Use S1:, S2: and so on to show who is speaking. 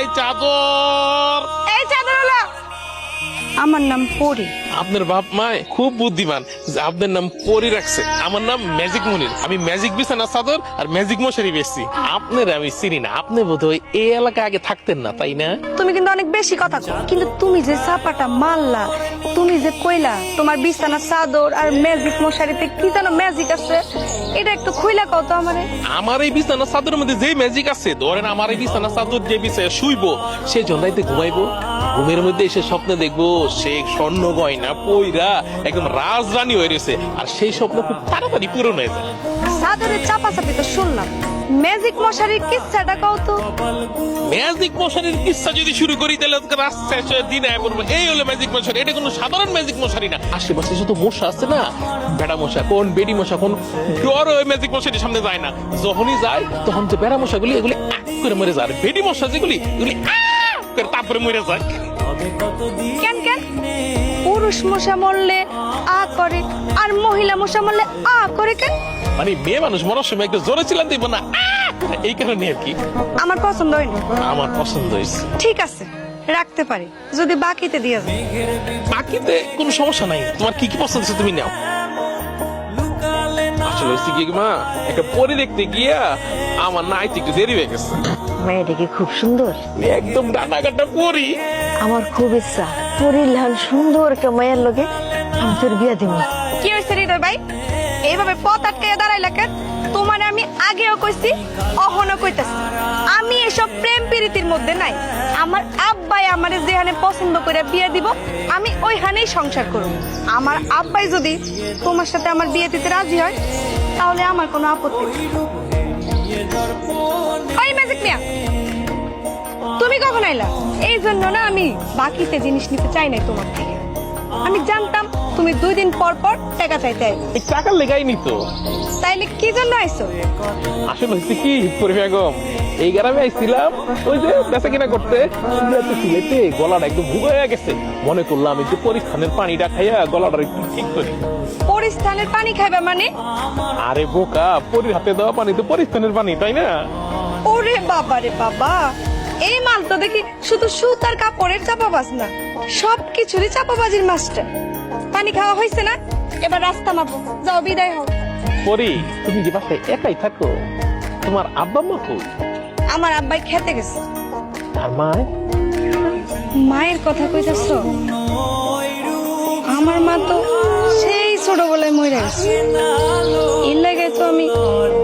S1: চাদর।
S2: এই চাদর হলো আমার নাম পরি।
S1: আপনার বাপ মায় খুব বুদ্ধিমান, আপনার নাম পরি রাখছে। আমার নাম ম্যাজিক মনির। আমি ম্যাজিক বিছানা চাদর আর ম্যাজিক মশারি বেচছি। আপনার আমি চিনি না, আপনি বোধহয় এই এলাকা আগে থাকতেন না, তাই না?
S2: তুমি কিন্তু অনেক বেশি কথা কও। কিন্তু তুমি যে চাপাটা মারলা, তুমি যে কইলা তোমার বিছানা চাদর আর ম্যাজিক মশারিতে কি যেন ম্যাজিক আছে, এটা একটু খুইলা কও তো আমারে।
S1: আমার এই বিছানা চাদরের মধ্যে যে ম্যাজিক আছে, ধরেন আমার এই বিছানা চাদর যে বিছায় শুইবো, সে জন্দাইতে ঘুমাইবো, ঘুমের মধ্যে এসে স্বপ্নে দেখবো সে স্বর্ণ গয়না পইরা একদম রাজরানী হয়ে রয়েছে, আর সেই স্বপ্ন খুব তাড়াতাড়ি পূরণ হয়ে যায়।
S2: চাদরের চাপাচাপি তো শুনলাম, ম্যাজিক মশারির কিচ্ছাটা কও তো।
S1: ম্যাজিক মশারির কিস্সা যদি শুরু করি তাহলে রাস্তা দিন আয় পড়বো। এই হলো ম্যাজিক মশারি, এটা কোনো সাধারণ ম্যাজিক মশারি না। আশেপাশে শুধু মশা আছে না, বেড়া মশা কোন বেডি মশা কোন, ডর ওই ম্যাজিক মশারির সামনে যায় না। যখনই যায় তখন যে বেড়া মশাগুলি এগুলি করে মরে যায়, বেডি মশা যেগুলি এগুলি করে তারপরে মরে যায়।
S2: কেন কেন পুরুষ মশা মরলে আ করে আর মহিলা মশা মরলে আ করে কেন?
S1: মানে মেয়ে মানুষ মরার সময় একটু জোরে ছিলাম দিব না, এই কারণে আর কি।
S2: আমার পছন্দ হয়নি।
S1: আমার পছন্দ হয়েছে।
S2: ঠিক আছে, রাখতে পারি যদি বাকিতে দিয়ে যায়।
S1: বাকিতে কোনো সমস্যা নাই, তোমার কি কি পছন্দ আছে তুমি নাও। আসলে হচ্ছে কি মা, একটা পরি দেখতে গিয়া আমার নাইতে একটু দেরি হয়ে গেছে।
S3: মেয়েটা কি খুব সুন্দর?
S1: একদম ডানা কাটা পরি।
S3: আমার খুব ইচ্ছা পরির লাল সুন্দর কে মায়ের লগে আমি তোর বিয়া দিব।
S2: কি হয়েছে হৃদয় ভাই, এইভাবে পথ আটকে দাঁড়াইলা কেন? তোমার আমি আগেও কইছি, অহনো কইতাছি, আমি এসব প্রেম প্রীতির মধ্যে নাই। আমার আব্বাই আমারে যেখানে পছন্দ করে বিয়ে দিব, আমি ওইখানেই সংসার করব। আমার আব্বাই যদি তোমার সাথে আমার বিয়ে দিতে রাজি হয়, তাহলে আমার কোনো আপত্তি নেই। ওই ম্যাজিক মিয়া, তুমি কখন আইলা? এই জন্য না আমি বাকিতে জিনিস নিতে চাই নাই তোমার থেকে। আমি জানতাম তুমি 2 দিন পর পর টাকা চাইতে আইবে।
S1: এই টাকার লেগাই নি তো।
S2: তাইলে কি জন্য আইছো?
S1: আসলে হচ্ছে কি পরি বেগম, এই গ্রামে আইছিলাম ওই যে বেচা কিনা করতে, সিলেটে গলাটা একদম ভুগে হয়ে গেছে। মনে করলাম একটু পরিস্থানের পানিটা খাইয়া গলাটা একটু ঠিক করি।
S2: পরিস্থানের পানি খাইবা মানে?
S1: আরে বোকা, পরির হাতে দেওয়া পানি তো পরিস্থানের পানি, তাই না?
S2: ওরে বাবা রে বাবা, এই মাল তো দেখি শুধু সুতার কাপড়ের চাপাবাজ না, সবকিছুরই চাপাবাজির মাস্টার। পানি খাওয়া হয়েছে না, এবার রাস্তা মাপো, যাও বিদায় হও।
S1: পরি, তুমি যে বাসায় একাই থাকো, তোমার আব্বা মা কই?
S2: আমার আব্বাই খেতে গেছে।
S1: আর মায়?
S2: মায়ের কথা কইতাছ? আমার মা তো সেই ছোটবেলায় মরে গেছে। এর লাগে তো আমি